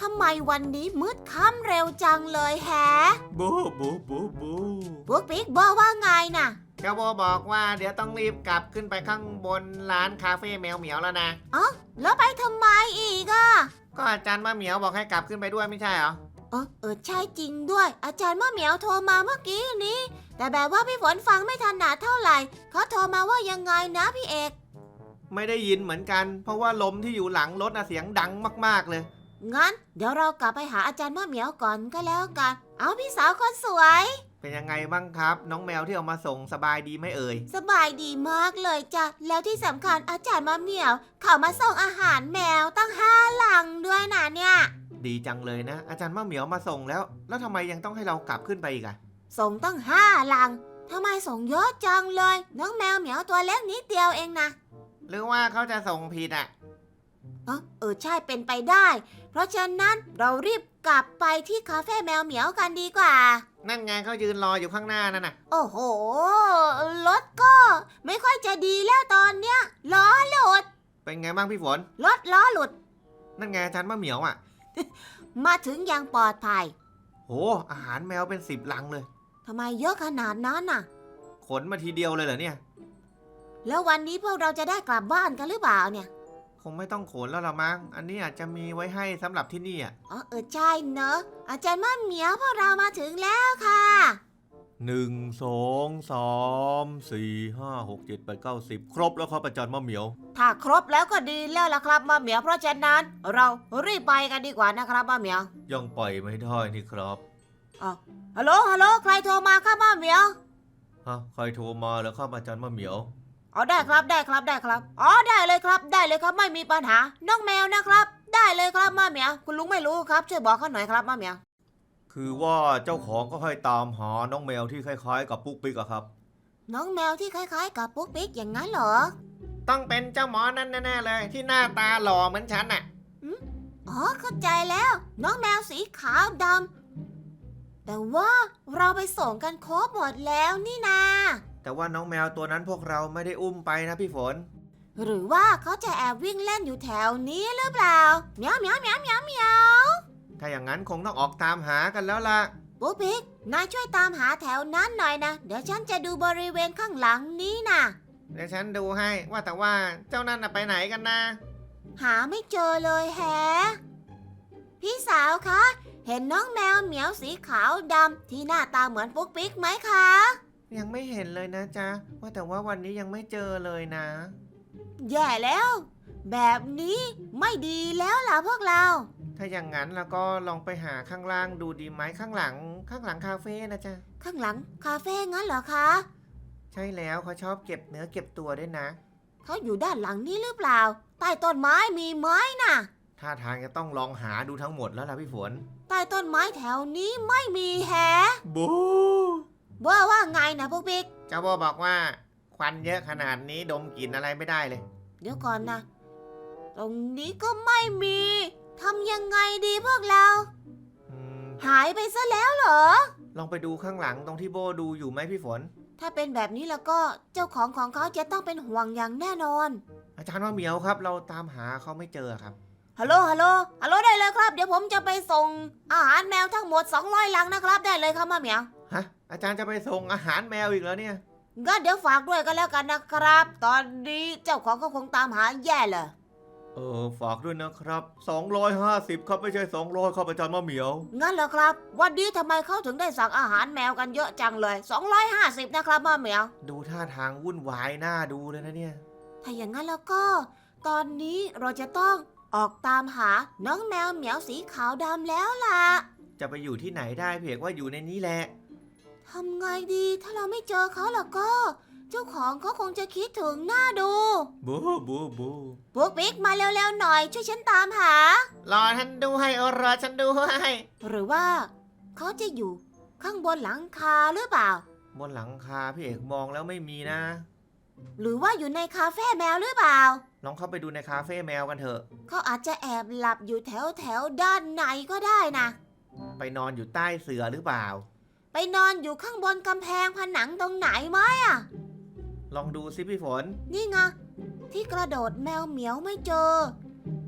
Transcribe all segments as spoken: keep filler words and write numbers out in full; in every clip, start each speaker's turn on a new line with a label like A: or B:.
A: ทำไมวันนี้มืดค่ำเร็วจังเลยแฮะ
B: บูบูบูบู
A: ปุ๊กปิ๊กบอกว่าไงน่ะ
B: เจ้าโบบอกว่าเดี๋ยวต้องรีบกลับขึ้นไปข้างบนร้านคาเฟ่แมวเหมียวแล้วนะ
A: อ๋อแล้วไปทำไมอีกอ่ะ
B: ก็อาจารย์มะเหมียวบอกให้กลับขึ้นไปด้วยไม่ใช่เหรอ
A: เออเออใช่จริงด้วยอาจารย์มะเหมียวโทรมาเมื่อกี้นี้แต่แบบว่าพี่ฝนฟังไม่ถนัดเท่าไหร่เขาโทรมาว่ายังไงนะพี่เอก
B: ไม่ได้ยินเหมือนกันเพราะว่าลมที่อยู่หลังรถน่ะเสียงดังมากๆเลย
A: งั้นเดี๋ยวเรากลับไปหาอาจารย์มะเหมียวก่อนก็แล้วกันเอาพี่สาวคนสวย
B: เป็นยังไงบ้างครับน้องแมวที่เอามาส่งสบายดีไหมเอ่ย
A: สบายดีมากเลยจ้ะแล้วที่สำคัญอาจารย์มะเหมียวเขามาส่งอาหารแมวตั้งห้าลังด้วยนะเนี่ย
B: ดีจังเลยนะอาจารย์มะเหมียวมาส่งแล้วแล้วทำไมยังต้องให้เรากลับขึ้นไปอีกอะ
A: ส่งตั้งห้าลังทำไมส่งเยอะจังเลยน้องแมวเหมียวตัวเล็กนิดเดียวเองนะ
B: หรือว่าเขาจะส่งผิดอะ
A: เออเออใช่เป็นไปได้เพราะฉะนั้นเรารีบกลับไปที่คาเฟ่แมวเหมียวกันดีกว่า
B: นั่นไงเขายืนรออยู่ข้างหน้านั่นน่ะ
A: โอ้โหรถก็ไม่ค่อยจะดีแล้วตอนเนี้ยล้อหลุด
B: เป็นไงบ้างพี่ฝน
A: รถล้อหลุด
B: นั่นไงอาจารย์มะเหมียวอะ
A: มาถึงอย่างปลอดภัย
B: โหอาหารแมวเป็นสิบลังเลย
A: ทำไมเยอะขนาดนั้นน่ะ
B: ขนมาทีเดียวเลยเหรอเนี่ย
A: แล้ววันนี้พวกเราจะได้กลับบ้านกันหรือเปล่าเนี่ย
B: คงไม่ต้องขนแล้วละมั้งอันนี้อาจจะมีไว้ให้สำหรับที่นี่อ่ะ
A: อ๋อเออใช่เนอะอาจารย์มะเหมียวพวกเรามาถึงแล้วค่ะ
B: หนึ่งสองสามสี่ห้าหกเจ็ดแปดเก้าสิบครบแล้วครับอาจารย์มะเหมียว
A: ถ้าครบแล้วก็ดีแล้วล่ะครับมะเหมียวเพราะฉะนั้นเรารีบไปกันดีกว่านะครับมะเหมียว
B: ยังปล่อยไม่ได้นี่ครับ
A: อ๋อฮัลโหลฮัลโหลใครโทรมาครับมะเหมียว
B: ฮะใครโทรมาแล้วครับอาจารย์มะเหมียว
A: อ๋อได้ครับได้ครับได้ครับอ๋อได้เลยครับได้เลยครับไม่มีปัญหาน้องแมวนะครับได้เลยครับมะเหมียวคุณลุงไม่รู้ครับช่วยบอกเขาหน่อยครับมะเหมียว
B: คือว่าเจ้าของก็ให้ตามหาน้องแมวที่คล้ายๆกับปุ๊กปิ๊กอะครับ
A: น้องแมวที่คล้ายๆกับปุ๊กปิ๊กอย่างนั้นเหรอ
B: ต้องเป็นเจ้าหมอนั่นแน่ๆเลยที่หน้าตาหล่อเหมือนฉันน่ะ
A: อ๋อเข้าใจแล้วน้องแมวสีขาวดำแต่ว่าเราไปส่งกันครบหมดแล้วนี่นา
B: แต่ว่าน้องแมวตัวนั้นพวกเราไม่ได้อุ้มไปนะพี่ฝน
A: หรือว่าเขาจะแอบวิ่งเล่นอยู่แถวนี้หรือเปล่าเหมียวเหมียวเหมียวเหมียวเหมียว
B: ถ้าอย่างนั้นคงต้องออกตามหากันแล้วล่ะ
A: ปุ๊กปิ๊กนายช่วยตามหาแถวนั้นหน่อยนะเดี๋ยวฉันจะดูบริเวณข้างหลังนี้นะ
B: เดี๋ยวฉันดูให้ว่าแต่ว่าเจ้านั่นน่ะไปไหนกันนะ
A: หาไม่เจอเลยแฮะพี่สาวคะเห็นน้องแมวเหมียวสีขาวดำที่หน้าตาเหมือนปุ๊กปิ๊กไหมคะ
B: ยังไม่เห็นเลยนะจ๊ะว่าแต่ว่าวันนี้ยังไม่เจอเลยนะ
A: แย่แล้วแบบนี้ไม่ดีแล้วล่ะพวกเรา
B: ถ้าอย่างนั้นแล้วก็ลองไปหาข้างล่างดูดีไหมข้างหลังข้างหลังคาเฟ่นะจ๊ะ
A: ข้างหลังคาเฟ่งั้นเหรอคะ
B: ใช่แล้วเขาชอบเก็บเนื้อเก็บตัวด้วยนะ
A: เขาอยู่ด้านหลังนี้หรือเปล่าใต้ต้นไม้มีไหมน่ะ
B: ท่าทางจะต้องลองหาดูทั้งหมดแล้วล่ะพี่ฝน
A: ใต้ต้นไม้แถวนี้ไม่มีแฮะ
B: บู
A: ว่าว่าไงนะพวกบิ๊ก
B: เจ้าโบบอกว่าควันเยอะขนาดนี้ดมกลิ่นอะไรไม่ได้เลย
A: เดี๋ยวก่อนนะตรงนี้ก็ไม่มีทำยังไงดีพวกเราหายไปซะแล้วเหรอ
B: ลองไปดูข้างหลังตรงที่โบดูอยู่ไหมพี่ฝน
A: ถ้าเป็นแบบนี้แล้วก็เจ้าของของเขาจะต้องเป็นห่วงอย่างแน่นอน
B: อาจารย์ว่าเหมียวครับเราตามหาเขาไม่เจอครับ
A: ฮัลโหลฮัลโหลฮัลโหลได้เลยครับเดี๋ยวผมจะไปส่งอาหารแมวทั้งหมดสองร้อยลังนะครับได้เลยครับมาเหมียว
B: ฮะอาจารย์จะไปส่งอาหารแมวอีกแล้วเนี่ย
A: งั้นเดี๋ยวฝากด้วยกันแล้วกันนะครับตอนนี้เจ้าของเขาคงตามหาแย่เลย
B: เออฝากด้วยนะครับสองร้อยห้าสิบครับไม่ใช่สองร้อยครับอาจารย์มะเหมียว
A: งั้นเหรอครับวันนี้ทำไมเขาถึงได้สั่งอาหารแมวกันเยอะจังเลยสองร้อยห้าสิบนะครับมาเหมียว
B: ดูท่าทางวุ่นวายน่าดูเลยนะเนี่ย
A: ถ้าอย่างนั้นแล้วก็ตอนนี้เราจะต้องออกตามหาน้องแมวเหมียวสีขาวดำแล้วล่ะ
B: จะไปอยู่ที่ไหนได้เพียงว่าอยู่ในนี้แหละ
A: ทำไงดีถ้าเราไม่เจอเขาแล้วก็เจ้าของเขาคงจะคิดถึงหน้าดู
B: บูบูบู
A: พวกบิ๊กมาเร็วๆหน่อยช่วยฉันตามหาร
B: อฉันดูให้รอฉันดูให้
A: หรือว่าเขาจะอยู่ข้างบนหลังคาหรือเปล่า
B: บนหลังคาพี่เอกมองแล้วไม่มีนะ
A: หรือว่าอยู่ในคาเฟ่แมวหรือเปล่า
B: ลองเข้าไปดูในคาเฟ่แมวกันเถอะ
A: เขาอาจจะแอบหลับอยู่แถวแถวด้านในก็ได้นะ
B: ไปนอนอยู่ใต้เสื่อหรือเปล่า
A: ไปนอนอยู่ข้างบนกำแพงผนังตรงไหนไหมอ่ะ
B: ลองดูสิพี่ฝน
A: นี่ไงที่กระโดดแมวเหมียวไม่เจอ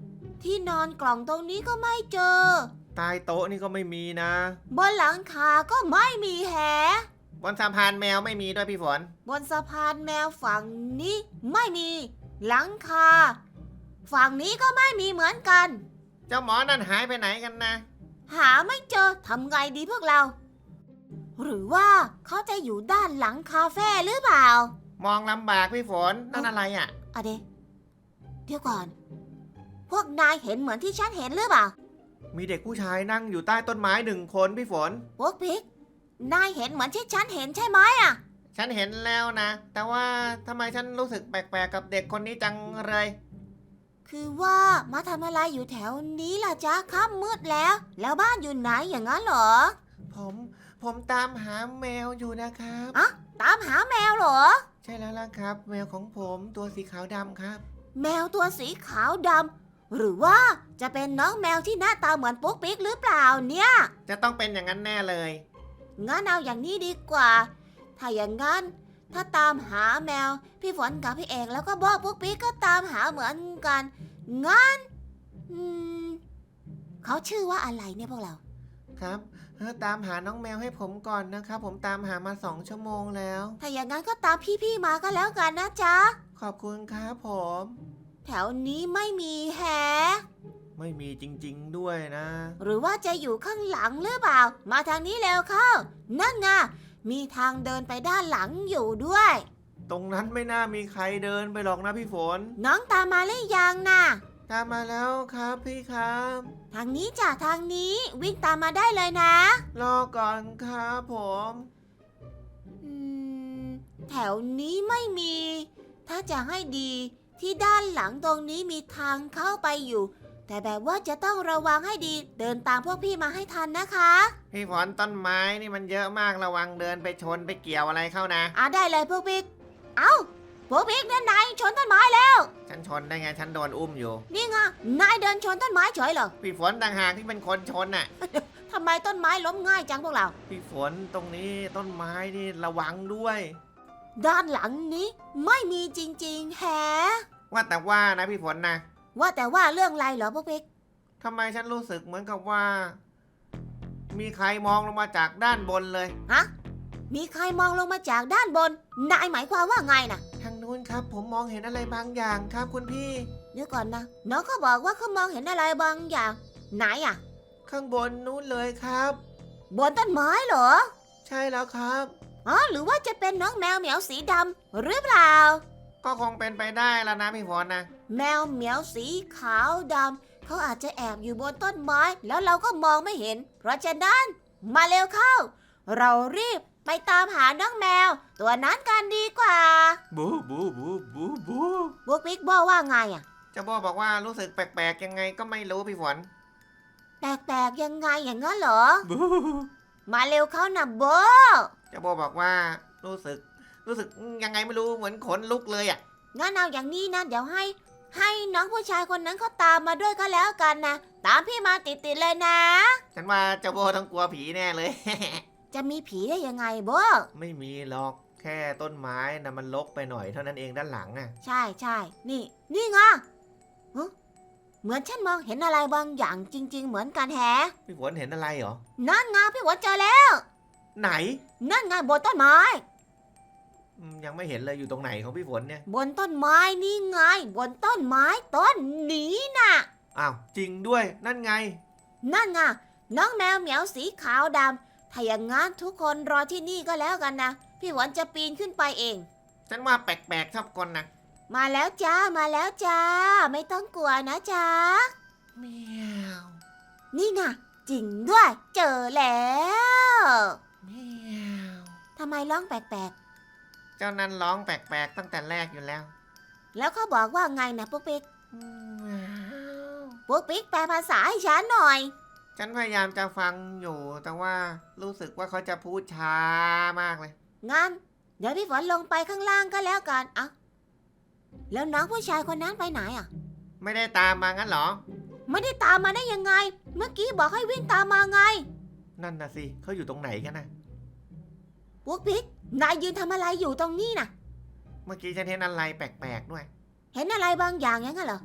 A: ที่นอนกล่องตรงนี้ก็ไม่เจอ
B: ใต้โต๊ะนี่ก็ไม่มีนะ
A: บนหลังคาก็ไม่มีแฮะ
B: บนสะพานแมวไม่มีด้วยพี่ฝน
A: บนสะพานแมวฝั่งนี้ไม่มี หลังคาฝั่งนี้ก็ไม่มีเหมือนกัน
B: เจ้าหมอนั่นหายไปไหนกันนะ
A: หาไม่เจอทำไงดีพวกเรา หรือว่าเขาจะอยู่ด้านหลังคาเฟ่หรือเปล่า
B: มองลำบากพี่ฝนนั่นอะไรอ่ะ
A: อะเดเดี๋ยวก่อน พวกนายเห็นเหมือนที่ฉันเห็นหรือเปล่า
B: มีเด็กผู้ชายนั่งอยู่ใต้ต้นไม้หนึ่งคนพี่ฝน
A: พวกพิกนายเห็นเหมือนที่ฉันเห็นใช่ไหมอะ
B: ฉันเห็นแล้วนะ แต่ว่าทำไมฉันรู้สึกแปลกๆกับเด็กคนนี้จังเลย
A: คือว่ามาทำอะไรอยู่แถวนี้ล่ะจ๊ะค่ำมืดแล้ว แล้วบ้านอยู่ไหนอย่างนั้นเหรอ
B: ผมผมตามหาแมวอยู่นะครับ
A: อะตามหาแมวเหรอ
B: ใช่แล้วล่ะครับ แมวของผมตัวสีขาวดำครับ
A: แมวตัวสีขาวดำหรือว่าจะเป็นน้องแมวที่หน้าตาเหมือนปุ๊กปิ๊กหรือเปล่าเนี่ย
B: จะต้องเป็นอย่างนั้นแน่เลย
A: งั้นเอาอย่างนี้ดีกว่า ถ้าอย่างงั้น ถ้าตามหาแมว พี่ฝนกับพี่เอกแล้วก็บอกปุ๊กปิ๊กก็ตามหาเหมือนกัน งั้นอืมเขาชื่อว่าอะไรเนี่ยพวกเรา
B: ครับเออตามหาน้องแมวให้ผมก่อนนะครับ ผมตามหามาสองชั่วโมงแล้ว
A: ถ้าอย่างงั้นก็ตามพี่ๆมาก็แล้วกันนะจ๊ะ
B: ขอบคุณครับผม
A: แถวนี้ไม่มีแฮะ
B: ไม่มีจริงๆด้วยนะ
A: หรือว่าจะอยู่ข้างหลังหรือเปล่า มาทางนี้เร็วเข้า นั่นไง มีทางเดินไปด้านหลังอยู่ด้วย
B: ตรงนั้นไม่น่ามีใครเดินไปหรอกนะพี่ฝน
A: น้องตามมาหรือยังน่ะ
B: ตามมาแล้วครับพี่ครับ
A: ทางนี้จ้ะทางนี้วิ่งตามมาได้เลยนะ
B: รอก่อนครับผม
A: อืม แถวนี้ไม่มี ถ้าจะให้ดีที่ด้านหลังตรงนี้มีทางเข้าไปอยู่ แต่แบบว่าจะต้องระวังให้ดี เดินตามพวกพี่มาให้ทันนะคะ
B: พี่ฝนต้นไม้นี่มันเยอะมากระวังเดินไปชนไปเกี่ยวอะไรเข้านะ
A: อ่ะได้เลยพวกพี่เอ้าพวกพี่นั่นนายชนต้นไม้แล้ว
B: ฉันชนได้ไงฉันโดนอุ้มอยู่
A: นี่ไงนายเดินชนต้นไม้เฉยเหรอ
B: พี่ฝนต่างหากที่เป็นคนชนน่ะ
A: ทำไมต้นไม้ล้มง่ายจังพวกเรา
B: พี่ฝนตรงนี้ต้นไม้นี่ระวังด้วย
A: ด้านหลังนี้ไม่มีจริงๆแฮะ
B: ว่าแต่ว่านะพี่ฝนนะ
A: ว่าแต่ว่าเรื่องอะไรเหรอพวกพี่
B: ทำไมฉันรู้สึกเหมือนกับว่า มีใครมองลงมาจากด้านบนเลย
A: ฮะ มีใครมองลงมาจากด้านบน นายหมายความว่าไงนะ
B: ทางนู้นครับ ผมมองเห็นอะไรบางอย่างครับคุณพี่
A: เดี๋ยวก่อนนะ น้องเขาบอกว่าเขามองเห็นอะไรบางอย่าง ไหนอะ
B: ข้างบนนู้นเลยครับ
A: บนต้นไม้เหรอ
B: ใช่แล้วครับ
A: อ๋อ หรือว่าจะเป็นน้องแมวเหมียวสีดำหรือเปล่า
B: ก็คงเป็นไปได้แล้วนะพี่ฝนนะ
A: แมวเหมียวสีขาวดำเขาอาจจะแอบอยู่บนต้นไม้ แล้วเราก็มองไม่เห็น เพราะฉะนั้น มาเร็วเข้า เรารีบไปตามหาน้องแมว ตัวนั้นกันดีกว่า
B: บูบูบูบูบู
A: บุ๊กบิ๊กบอกว่าไงอะ
B: เจ้าโบบอกว่ารู้สึกแปลกๆยังไงก็ไม่รู้พี่ฝน
A: แปลกๆยังไงอย่างนั้นเหรอ
B: บู
A: มาเร็วเข้านะโบ
B: เจ้าโบบอกว่ารู้สึก รู้สึกยังไงไม่รู้เหมือนขนลุกเลยอ่ะ
A: งั้นเอาอย่างนี้นะ เดี๋ยวให้ ให้น้องผู้ชายคนนั้นเขาตามมาด้วยก็แล้วกันนะ ตามพี่มาติดๆเลยนะ
B: ฉันว่าเจ้าโบต้องกลัวผีแน่เลย
A: จะมีผีได้ยังไงโบ
B: ไม่มีหรอกแค่ต้นไม้นะมันรกไปหน่อยเท่านั้นเองด้านหลังอ่ะ
A: ใช่ใช่นี่ นี่ไงฮะเหมือนฉันมองเห็นอะไรบางอย่างจริง ๆ เหมือนกันแฮะ
B: พี่ฝนเห็นอะไรเหรอ
A: นั่นไงพี่หวนเจอแล้ว
B: ไหน
A: นั่นไงบนต้นไม้
B: อืมยังไม่เห็นเลยอยู่ตรงไหนของพี่ฝนเนี่ย
A: บนต้นไม้นี่ไง บนต้นไม้ต้นนี้น่ะ
B: อ้าวจริงด้วยนั่นไง
A: นั่นไงน้องแมวเหมียวสีขาวดำถ้าอย่างงั้นทุกคนรอที่นี่ก็แล้วกันนะ พี่หวนจะปีนขึ้นไปเอง
B: ฉันว่าแปลกๆชอบคนนะ
A: มาแล้วจ้า มาแล้วจ้า ไม่ต้องกลัวนะจ้า
B: เมียว
A: นี่ไงจริงด้วย เจอแล้ว
B: เมียว
A: ทำไมร้องแปลก
B: เจ้านั้นร้องแปลกๆตั้งแต่แรกอยู่แล้ว
A: ๆ แล้วเขาบอกว่าไงนะปุ๊กปิ๊ก
B: เมียว
A: ปุ๊กปิ๊กแปลภาษาให้ฉันหน่อย
B: ฉันพยายามจะฟังอยู่ แต่ว่ารู้สึกว่าเขาจะพูดช้ามากเลย
A: งั้น เดี๋ยวพี่ฝนลงไปข้างล่างก็แล้วกันเอ้าแล้วน้องผู้ชายคนนั้นไปไหนอ่ะ
B: ไม่ได้ตามมางั้นเหรอ
A: ไม่ได้ตามมาได้ยังไง เมื่อกี้บอกให้วิ่งตามมาไง
B: นั่นน่ะสิเขาอยู่ตรงไหนกันนะ
A: ปุ๊กปิ๊กนายยืนทำอะไรอยู่ตรงนี้น่ะ
B: เมื่อกี้ฉันเห็นอะไรแปลกๆด้วย
A: เห็นอะไรบางอย่างอย่างนั้นเหรอ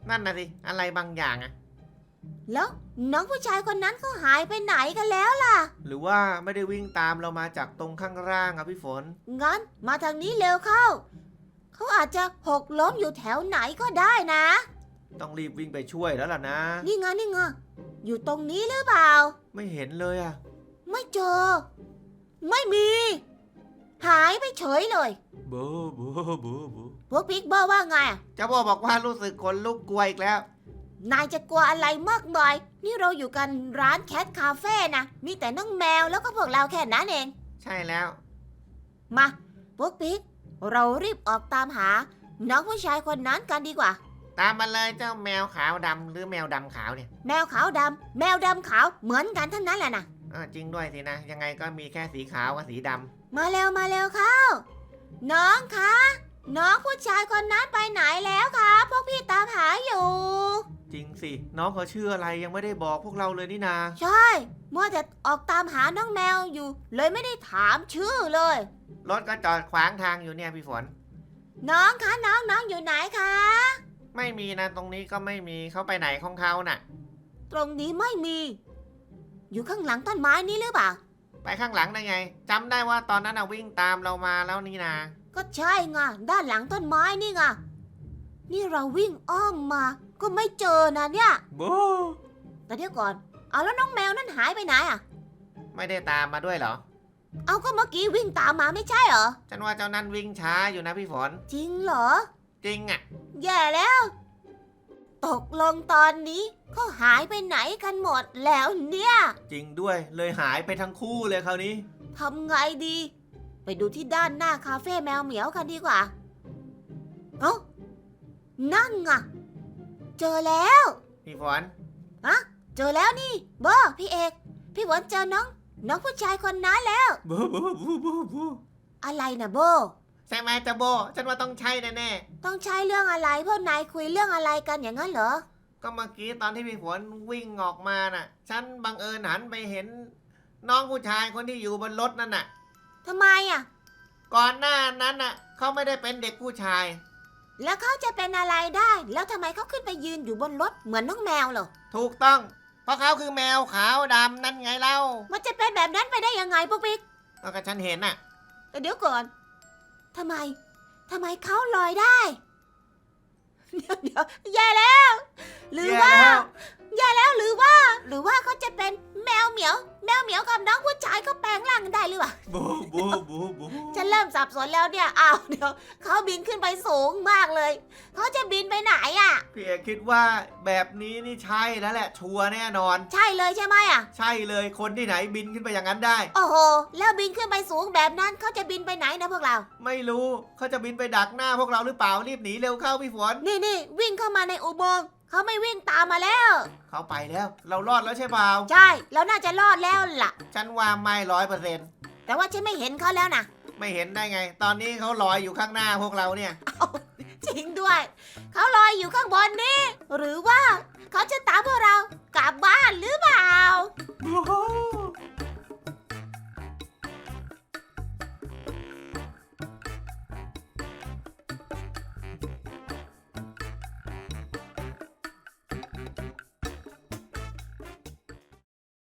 C: นั่นน่ะสิอะไรบางอย่างอะ
A: แล้วน้องผู้ชายคนนั้นเขาหายไปไหนกันแล้วล่ะ
C: หรือว่าไม่ได้วิ่งตามเรามาจากตรงข้างล่างอะพี่ฝน
A: งั้นมาทางนี้เร็วเข้า เขาอาจจะหกล้มอยู่แถวไหนก็ได้นะ
C: ต้องรีบวิ่งไปช่วยแล้วล่ะนะ
A: นี่ไงนี่ไงอยู่ตรงนี้หรือเปล่า
C: ไม่เห็นเลยอะ
A: ไม่เจอ ไม่มี หายไปเฉยเลย
B: โบโบโบโบ
A: พวกพิกบอกว่าไงอะ
C: เจ้าโบบอกว่ารู้สึกขนลุกกลัวอีกแล้ว
A: นายจะกลัวอะไรมากมายนี่เราอยู่กันร้านแคทคาเฟ่นะมีแต่น้องแมวแล้วก็พวกเราแค่นั้นเอง
C: ใช่แล้ว
A: มาพวกพิกเรารีบออกตามหา น้องผู้ชายคนนั้นกันดีกว่า
C: ตามมาเลยเจ้าแมวขาวดำหรือแมวดำขาวเนี่ย
A: แมวขาวดำแมวดำขาวเหมือนกันทั้งนั้นแหละนะ
C: เออจริงด้วยสินะ ยังไงก็มีแค่สีขาวกับสีดำ
A: มาเร็วมาเร็วเข้า น้องคะ น้องผู้ชายคนนั้นไปไหนแล้วคะพวกพี่ตามหาอยู่
C: จริงสิ น้องเขาชื่ออะไรยังไม่ได้บอกพวกเราเลยนี่นา
A: ใช่มัวแต่ออกตามหาน้องแมวอยู่ เลยไม่ได้ถามชื่อเลย
C: รถก็จอดขวางทางอยู่เนี่ยพี่ฝน
A: น้องคะน้องน้องอยู่ไหนคะ
C: ไม่มีนะตรงนี้ก็ไม่มีเขาไปไหนของเขาน่ะ
A: ตรงนี้ไม่มี อยู่ข้างหลังต้นไม้นี้หรือเปล่า
C: ไปข้างหลังได้ไงจำได้ว่าตอนนั้นน่ะวิ่งตามเรามาแล้วนี่นา
A: ก็ใช่ไงด้านหลังต้นไม้นี่ไงนี่เราวิ่งอ้อมมา ก็ไม่เจอนะเนี่ย
B: โบ
A: แต่เดี๋ยวก่อน เอาแล้วน้องแมวนั่นหายไปไหนอ่ะ
C: ไม่ได้ตามมาด้วยเหรอ
A: เอาก็เมื่อกี้วิ่งตามมาไม่ใช่เหรอ
C: ฉันว่าเจ้านั้นวิ่งช้าอยู่นะพี่ฝน
A: จริงเหรอ
C: จริงอ่ะ
A: แย่แล้ว ตกลงตอนนี้เขาหายไปไหนกันหมดแล้วเนี่ย
B: จริงด้วยเลยหายไปทั้งคู่เลยคราวนี้
A: ทำไงดี ไปดูที่ด้านหน้าคาเฟ่แมวเหมียวกันดีกว่า เอ้านั่นไงเจอแล้ว
C: พี่ฝน
A: เจอแล้วนี่โบพี่เอก พี่ฝนเจอน้อง น้องผู้ชายคนนั้นแล้ว
B: โบโบโบโบโบ
A: อะไรนะโบ
C: ใช่ไหมเจ้าโบฉันว่าต้องใช่แน่
A: ต้องใช้เรื่องอะไรพวกนายคุยเรื่องอะไรกันอย่างนั้นเหรอ
C: ๆก็เมื่อกี้ตอนที่พี่ฝนวิ่งออกมาน่ะ ฉันบังเอิญหันไปเห็น น้องผู้ชายคนที่อยู่บนรถนั่นน่ะ
A: ทำไมอ่ะ
C: ก่อนหน้านั้นน่ะเขาไม่ได้เป็นเด็กผู้ชาย
A: แล้วเขาจะเป็นอะไรได้ แล้วทำไมเขาขึ้นไปยืนอยู่บนรถเหมือนน้องแมวเหรอ
C: ถูกต้อง เพราะเขาคือแมวขาวดำนั่นไงเล่า
A: มันจะเป็นแบบนั้นไปได้ยังไงปุ๊กปิ๊ก
C: แล้วก็ฉันเห็นน่ะ
A: แต่เดี๋ยวก่อน ทำไม ทำไมเขาลอยได้ เดี๋ยวเดี๋ยวแย่แล้ว หรือว่า แย่แล้วหรือว่า หรือว่าเขาจะเป็นแมวเหมียว แมวเหมียวกับน้องผู้ชายเขาแปลงร่างได้หรือเปล่า
B: โบโบโบโบ
A: ฉันเริ่มสับสนแล้วเนี่ย อ้าว เดี๋ยวเขาบินขึ้นไปสูงมากเลย เขาจะบินไปไหนอ่ะ
C: พี่เอกคิดว่าแบบนี้นี่ใช่แล้วแหละชัวร์แน่นอน
A: ใช่เลยใช่ไหมอ่ะ
C: ใช่เลยคนที่ไหนบินขึ้นไปอย่างนั้นได้
A: โอ้โห แล้วบินขึ้นไปสูงแบบนั้นเขาจะบินไปไหนนะพวกเรา
C: ไม่รู้เขาจะบินไปดักหน้าพวกเราหรือเปล่ารีบหนีเร็วเข้าพี่ฝน
A: นี่นี่วิ่งเข้ามาในอุโมงค์เขาไม่วิ่งตามมาแล้ว
C: เขาไปแล้ว เรารอดแล้วใช่เปล่า
A: ใช่ เราน่าจะรอดแล้วล่ะ
C: ฉันว่าไม่ร้อยเปอร์เซ็นต์
A: แต่ว่าฉันไม่เห็นเขาแล้วนะ
C: ไม่เห็นได้ไง ตอนนี้เขาลอยอยู่ข้างหน้าพวกเราเนี่ย
A: จริงด้วย เขาลอยอยู่ข้างบนนี่ หรือว่าเขาจะตามพวกเรากลับบ้านหรือเปล่า
B: โบ